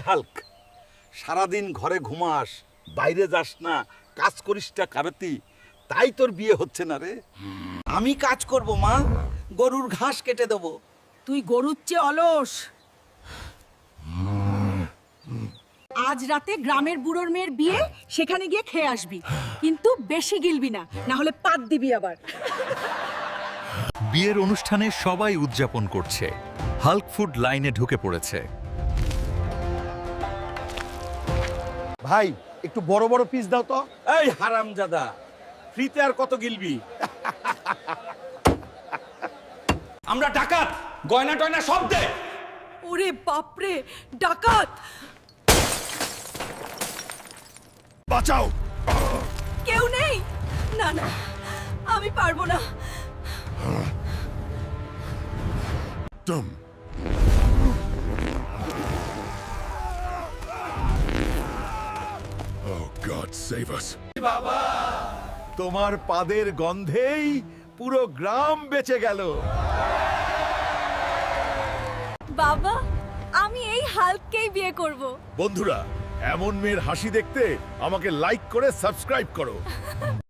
Hulk, সারাদিন ঘরে ঘুমাস, বাইরে যাস না, কাজ করিসটা কারাতি, তাই তোর বিয়ে হচ্ছে না রে। আমি কাজ করব মা, গরুর ঘাস কেটে দেবো। তুই গরুর চেয়ে অলস। আজ রাতে গ্রামের বুড়োর মেয়ের বিয়ে, সেখানে গিয়ে খেয়ে আসবি, কিন্তু বেশি গিলবি না, না হলে পাত দিবি আবার। বিয়ের অনুষ্ঠানে সবাই উদযাপন করছে। হাল্ক ফুড লাইনে ঢুকে পড়েছে। ভাই একটু বড় বড় পিস দাও তো। এই হারামজাদা, ফ্রিতে আর কত গিলবি? আমরা ডাকাত, গয়না টয়না সব দে। ওরে বাপরে, ডাকাত! বাঁচাও। কেউ নেই? না না, আমি পারবো না। তুম Oh God, save us. তোমার পাদের গন্ধেই পুরো গ্রাম বেঁচে গেল। বাবা, আমি এই হাল্ককেই বিয়ে করব। বন্ধুরা, এমন মেয়ের হাসি দেখতে আমাকে লাইক করে সাবস্ক্রাইব করো।